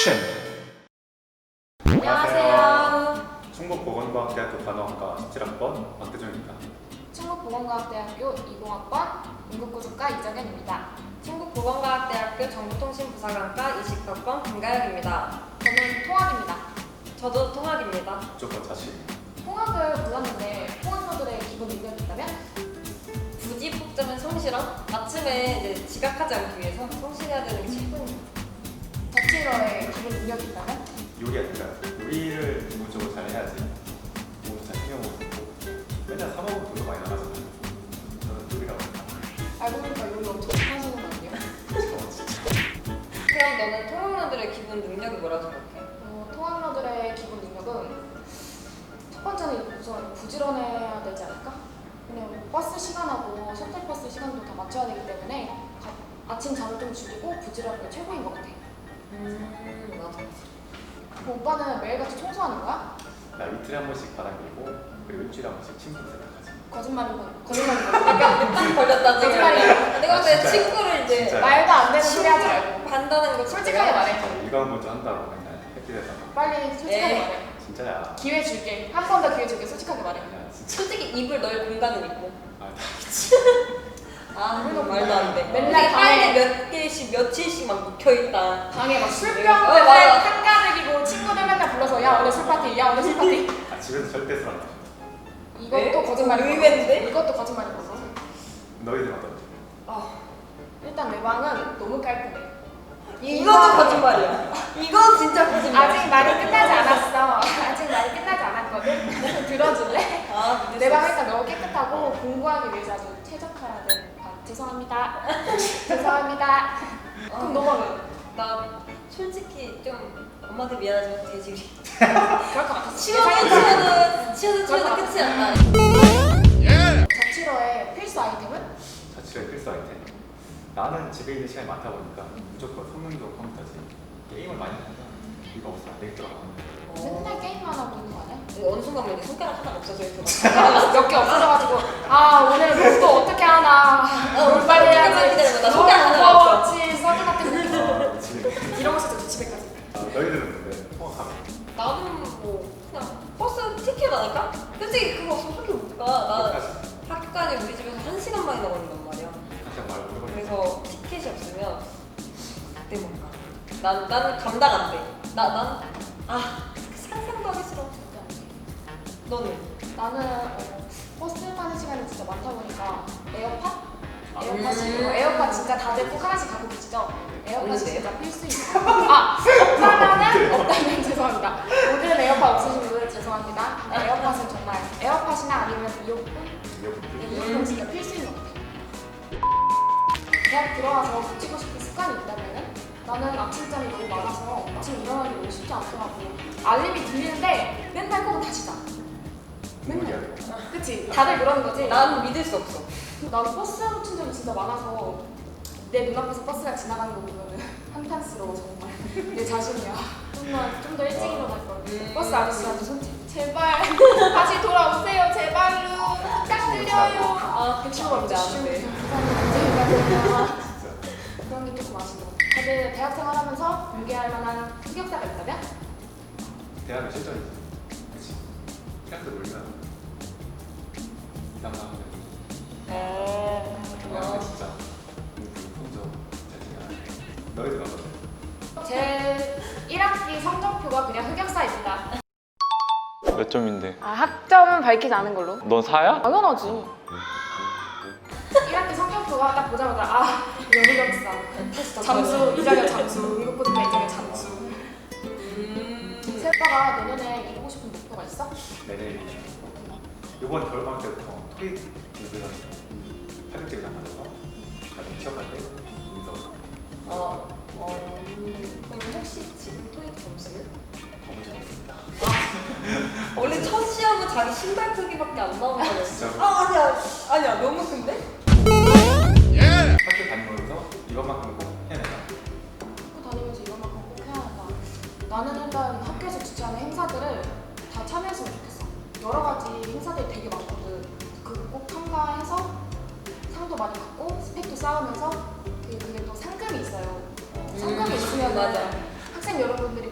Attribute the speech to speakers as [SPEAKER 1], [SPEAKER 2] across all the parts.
[SPEAKER 1] 액션!
[SPEAKER 2] 안녕하세요.
[SPEAKER 1] 충북보건과학대학교 간호학과 17학번 박대정입니다.
[SPEAKER 2] 충북보건과학대학교 20학번 응급구조과 이정현입니다.
[SPEAKER 3] 충북보건과학대학교 정보통신부사관과 20학번 김가영입니다.
[SPEAKER 2] 저는 통학입니다.
[SPEAKER 3] 저도 통학입니다.
[SPEAKER 1] 무조건 자신.
[SPEAKER 2] 통학을 골랐는데 통학러들의 기본 능력이 있다면?
[SPEAKER 3] 굳이 뽑자면 성실함? 아침에 이제 지각하지 않기 위해서 성실해야 되는 게 최고입니다.
[SPEAKER 2] 자취러의 기본 능력이 있다면?
[SPEAKER 1] 요리 아닐까요? 요리를 기본적으로 잘 해야지 몸도 잘 챙겨먹고 맨날 사 먹으면 돈도 많이 나가잖아요. 저는 요리라고 생각합니다.
[SPEAKER 2] 알고 보니까 요리 엄청 잘하시는 거 아니에요?
[SPEAKER 3] 그럼 너는 통학러들의 기본 능력이 뭐라고 생각해?
[SPEAKER 2] 통학러들의 기본 능력은 첫 번째는 우선 부지런해야 되지 않을까? 그냥 버스 시간하고 셔틀버스 시간도 다 맞춰야 되기 때문에 아침 잠을 좀 줄이고 부지런한 게 최고인 것 같아.
[SPEAKER 3] 맞아.
[SPEAKER 2] 그럼 오빠는 매일같이 청소하는 거야?
[SPEAKER 1] 나 이틀에 한 번씩 바닥 밀고 그리고 일주일에 한 번씩 침대 세탁하지.
[SPEAKER 2] 거짓말이고
[SPEAKER 3] 약간 딱 걸렸다 지금.
[SPEAKER 2] 거짓말이야.
[SPEAKER 3] 내가 볼때
[SPEAKER 1] 진짜요?
[SPEAKER 3] 친구를 이제
[SPEAKER 1] 진짜요?
[SPEAKER 2] 말도 안 되는 소리 하지 말고
[SPEAKER 3] 반다는 거
[SPEAKER 2] 솔직하게 말해.
[SPEAKER 1] 이거 먼저 한다고 맨날 햇빛에다가.
[SPEAKER 2] 빨리 솔직하게
[SPEAKER 3] 에이.
[SPEAKER 2] 말해.
[SPEAKER 1] 진짜야.
[SPEAKER 2] 기회 줄게. 한 번 더 기회 줄게. 솔직하게 말해.
[SPEAKER 1] 야 진짜.
[SPEAKER 3] 솔직히 입을 넣을 공간은 있고.
[SPEAKER 1] 아
[SPEAKER 3] 말도 안 돼.
[SPEAKER 2] 맨날
[SPEAKER 3] 빨리 몇 개씩 며칠씩 막 묵혀있다.
[SPEAKER 2] 방에 막
[SPEAKER 3] 어,
[SPEAKER 2] 술병들
[SPEAKER 3] 맞아.
[SPEAKER 2] 한가득이고 친구들 맨날 불러서 야 오늘 술 파티, 야 오늘 술 파티.
[SPEAKER 1] 아, 집에서 절대 술 안 마셔.
[SPEAKER 2] 이것도
[SPEAKER 3] 네?
[SPEAKER 2] 거짓말이고.
[SPEAKER 3] 의외인데?
[SPEAKER 2] 이것도 거짓말이고.
[SPEAKER 1] 너희들 어떤데?
[SPEAKER 2] 일단 내 방은 너무 깔끔해.
[SPEAKER 3] 이것도 거짓말이야. 이건 진짜 거짓말.
[SPEAKER 2] 아직 말이 끝나지 않았어. 아직 말이 끝나지 않았거든. 들어줄래? 내 방 일단 너무 깨끗하고 공부하기 위해서 아주 최적화된 방. 죄송합니다. 죄송합니다. 그럼 너 방은?
[SPEAKER 3] 나 솔직히 좀 엄마한테 미안하지만 돼지우리.
[SPEAKER 2] 그럴 것 같았어.
[SPEAKER 3] 치워도 끝이 안 나.
[SPEAKER 2] 자취러의 필수 아이템은?
[SPEAKER 1] 자취의 필수 아이템. 나는 집에 있는 시간이 많다 보니까 무조건 성능도 컴퓨터지. 게임을 많이 하니까 이거 없으면 안 되겠더라고.
[SPEAKER 2] 맨날 게임만 하고 있는 거 아니야?
[SPEAKER 3] 어느 순간 보니 손가락 하나 없어져 있어.
[SPEAKER 2] 몇 개 없어져가지고 아 오늘 목도 어떻게 하나
[SPEAKER 3] 오늘
[SPEAKER 2] 빨리
[SPEAKER 3] 기다려봐.
[SPEAKER 2] 해야지.
[SPEAKER 3] 나 손가락 하나 없어.
[SPEAKER 2] 무거웠지 서드 같은 느낌.
[SPEAKER 1] 아, 미치겠네.
[SPEAKER 2] 이런 거 진짜 집에까지.
[SPEAKER 1] 아, 너희들은 근데 통학하면
[SPEAKER 3] 나는 뭐 그냥 버스 티켓 아닐까? 솔직히 그거 없으면 학교 못 가. 나 학교까지 우리 집에서 1시간 만에 나가는단 말이야.
[SPEAKER 1] 한참 말고 해보니까
[SPEAKER 3] 그래서 티켓이 없으면 그때 못 가. 나는 감당 안 돼. 난 상상도 하기 싫어. 너는?
[SPEAKER 2] 나는 버스 타는 시간이 진짜 많다 보니까 에어팟?
[SPEAKER 1] 아,
[SPEAKER 2] 에어팟 진짜 다들 꼭 하나씩 갖고 계시죠? 에어팟이
[SPEAKER 3] 없는데요?
[SPEAKER 2] 진짜 필수입니다. 없다면 죄송합니다. 모든 에어팟 없으신 분들 죄송합니다. 에어팟은 정말 에어팟이나 아니면 이어폰 진짜 필수인 것 같아요. 대학 들어와서 붙이고 싶은 습관이 있다면은 나는 아침잠이 너무 많아서 아침 일어나기 너무 쉽지 않더라고. 알림이 들리는데 맨날 꼭 다시 자. 맨날. 그치? 다들 그러는 거지?
[SPEAKER 3] 난 믿을 수 없어.
[SPEAKER 2] 나는 버스 놓친 적이 진짜 많아서 내 눈앞에서 버스가 지나가는 거 보면은 한탄스러워 정말. 내 자신이야. 정말 좀 더 일찍 일어날 걸. 버스 아저씨한테 손짓. 제발 다시 돌아오세요. 제발로 부탁드려요. 110원 주시면 제발. 그런 게 조금 아쉬워. 다들 대학생활 하면서 공개할 만한 흑역사가 있다면?
[SPEAKER 1] 대학은 실전이지. 그치? 학교 놀면 이상하면 대학은 진짜 성적 잘 챙겨야 너희들 어떤데?
[SPEAKER 2] 제 1학기 성적표가 그냥 흑역사입니다.
[SPEAKER 4] 몇 점인데?
[SPEAKER 2] 학점은 밝히지 않은 걸로.
[SPEAKER 4] 넌 4야?
[SPEAKER 2] 당연하지. 1학기 성적표가 딱 보자마자 이거 흑역사. 잠수, 이자격 잠수, 응급구조과 이자격 잠수. 새오빠가 내년에 이루고 싶은 목표가 있어?
[SPEAKER 1] 내년에 이번 겨울방학 때부터 토익 공부를 합격증이 나가서 나중에 취업할 때 인서
[SPEAKER 3] 그럼 혹시 지금 토익 점수를?
[SPEAKER 1] 너무 잘했습니다.
[SPEAKER 3] 원래 첫 시험은 자기 신발 크기밖에 안 나오는 거였어.
[SPEAKER 1] 진짜로?
[SPEAKER 3] 아니야 너무 큰데?
[SPEAKER 1] 학교 다니면서 이것만큼 꼭 해내라.
[SPEAKER 2] 학교 다니면서 이것만큼 꼭 해야 한다. 나는 일단 학교에서 주최하는 행사들을 다 참여했으면 좋겠어. 여러 가지 행사들이 되게 많거든. 그거 꼭 참가해서 상도 많이 받고 스펙도 쌓으면서 그게 또 상금이 있어요. 상금이 있으면
[SPEAKER 3] 맞아.
[SPEAKER 2] 학생 여러분들이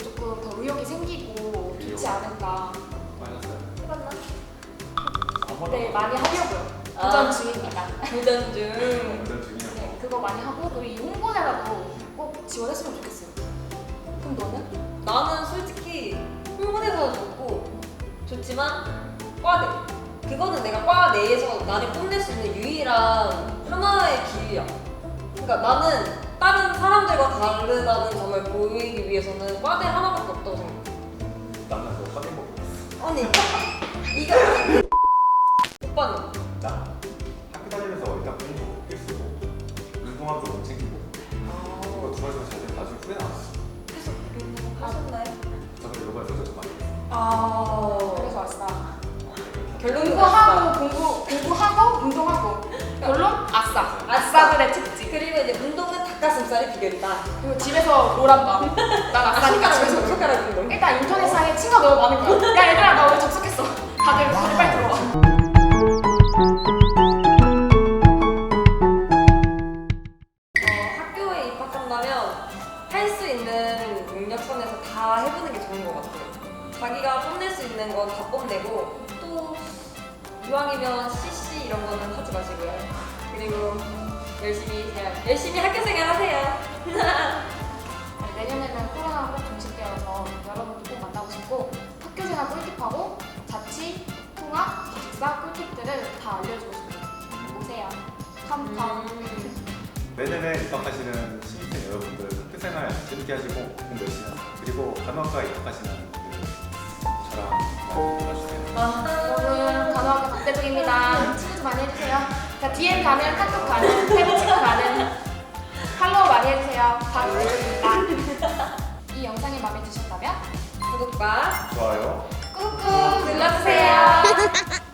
[SPEAKER 2] 많이 하려고요.
[SPEAKER 3] 아.
[SPEAKER 2] 도전 중입니다.
[SPEAKER 3] 도전 중.
[SPEAKER 1] 운전 중이라고.
[SPEAKER 2] 네, 그거 많이 하고 그리고 이 홍보대라도 꼭 지원했으면 좋겠어요. 그럼 너는?
[SPEAKER 3] 나는 솔직히 홍보대사도 좋고 좋지만 과대. 그거는 내가 과 내에서 나를 뽐낼 수 있는 유일한 하나의 기회야. 그러니까 나는 다른 사람들과 다르다는 점을 보이기 위해서는 과대 하나밖에 없다고 생각해.
[SPEAKER 1] 나는 그거 확인 보고 있어.
[SPEAKER 3] 아니 이거 오빠는?
[SPEAKER 1] 나 학교 다니면서 일단 공부 필수고 운동하고 못 챙기고 이거 두 가지만 잘 되면 나중에 후회 나왔어.
[SPEAKER 3] 계속 하셨나요?
[SPEAKER 1] 저는 이번에 소설 좀 많이 했어.
[SPEAKER 3] 아
[SPEAKER 2] 그래서 왔어.
[SPEAKER 3] 결론은
[SPEAKER 2] 공부하고 운동하고 결론 아싸. 아싸들의 특징.
[SPEAKER 3] 그리고 이제 운동은 닭가슴살이 비결이다.
[SPEAKER 2] 그리고 집에서 롤한다. 난 아싸니까 집에서.
[SPEAKER 3] 손가락 운동.
[SPEAKER 2] 일단 인터넷상에 친구가 너무 많은 거야. 야 얘들아 나 오늘 접속했어. 다들 빨리 들어와.
[SPEAKER 3] 학교에 입학한다면 할 수 있는 능력선에서 다 해보는 게 좋은 것 같아요. 자기가 뽐낼 수 있는 건 다 뽐내고 또 이왕이면 CC 이런 거는 하지 마시고요. 그리고 열심히 학교 생활 하세요.
[SPEAKER 2] 내년에는 코로나가 꼭 종식되어서 여러분도 꼭 만나고 싶고 학교생활 꿀팁하고 자취, 통학, 기숙사 꿀팁들을 다 알려주고 싶어요. 오세요. 컴컴.
[SPEAKER 1] 내년에 입학하시는 신입생 여러분들 학교생활 재밌게 하시고 공부 열심히 하세요. 그리고 간호학과에 입학하시는 분들 저랑 많이 놀아주세요.
[SPEAKER 2] 여러분 간호학과 박대중입니다. 친구 좀 많이 해주세요. 자 DM 가는, 카톡 가는, 페북 친구 가는 팔로우 많이 해주세요. 박대중입니다. 이 영상이 마음에 드셨다면
[SPEAKER 3] 구독과
[SPEAKER 1] 좋아요.
[SPEAKER 2] 꾹꾹 눌러주세요.